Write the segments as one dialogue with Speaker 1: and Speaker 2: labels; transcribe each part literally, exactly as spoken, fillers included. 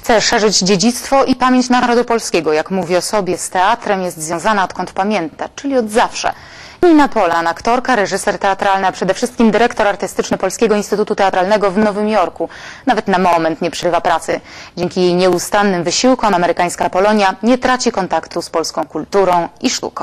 Speaker 1: Chce szerzyć dziedzictwo i pamięć narodu polskiego. Jak mówi o sobie, z teatrem jest związana odkąd pamięta, czyli od zawsze. Nina Polan, aktorka, reżyser teatralny, a przede wszystkim dyrektor artystyczny Polskiego Instytutu Teatralnego w Nowym Jorku. Nawet na moment nie przerywa pracy. Dzięki jej nieustannym wysiłkom amerykańska Polonia nie traci kontaktu z polską kulturą i sztuką.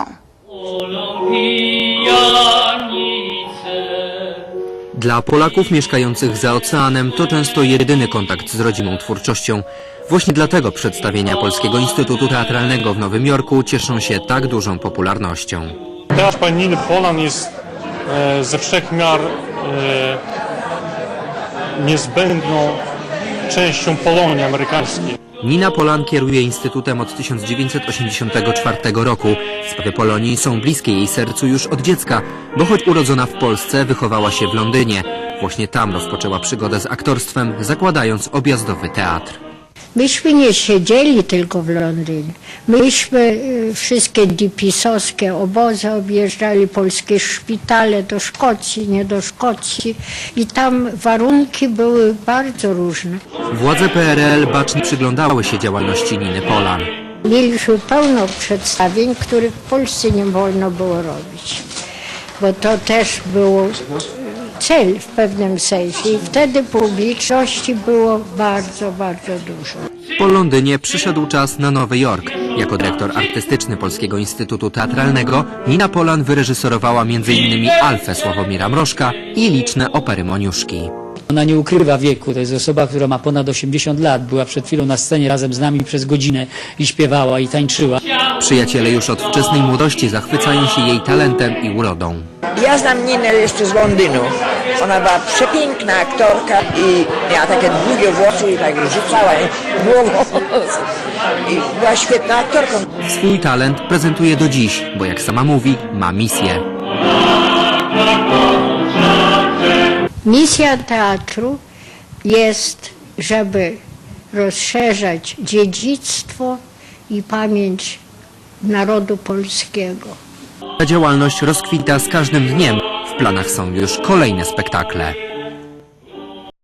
Speaker 2: Dla Polaków mieszkających za oceanem to często jedyny kontakt z rodzimą twórczością. Właśnie dlatego przedstawienia Polskiego Instytutu Teatralnego w Nowym Jorku cieszą się tak dużą popularnością.
Speaker 3: Teatr pani Niny Polan jest e, ze wszech miar e, niezbędną częścią Polonii amerykańskiej.
Speaker 2: Nina Polan kieruje Instytutem od tysiąc dziewięćset osiemdziesiątego czwartego roku. Sprawy Polonii są bliskie jej sercu już od dziecka, bo choć urodzona w Polsce, wychowała się w Londynie. Właśnie tam rozpoczęła przygodę z aktorstwem, zakładając objazdowy teatr.
Speaker 4: Myśmy nie siedzieli tylko w Londynie. Myśmy wszystkie dipisowskie obozy objeżdżali, polskie szpitale do Szkocji, nie do Szkocji. I tam warunki były bardzo różne.
Speaker 2: Władze P R L bacznie przyglądały się działalności Niny Polan.
Speaker 4: Mieliśmy pełno przedstawień, których w Polsce nie wolno było robić. Bo to też było cel w pewnym sensie i wtedy publiczności było bardzo, bardzo dużo.
Speaker 2: Po Londynie przyszedł czas na Nowy Jork. Jako dyrektor artystyczny Polskiego Instytutu Teatralnego Nina Polan wyreżyserowała między innymi Alfę Sławomira Mrożka i liczne opery Moniuszki.
Speaker 5: Ona nie ukrywa wieku, to jest osoba, która ma ponad osiemdziesiąt lat, była przed chwilą na scenie razem z nami przez godzinę i śpiewała i tańczyła.
Speaker 2: Przyjaciele już od wczesnej młodości zachwycają się jej talentem i urodą.
Speaker 6: Ja znam Ninę jeszcze z Londynu. Ona była przepiękna aktorka i miała takie długie włosy i tak rzucała głową. I była świetną aktorką.
Speaker 2: Swój talent prezentuje do dziś, bo jak sama mówi, ma misję.
Speaker 4: Misja teatru jest, żeby rozszerzać dziedzictwo i pamięć narodu polskiego.
Speaker 2: Ta działalność rozkwita z każdym dniem. W planach są już kolejne spektakle.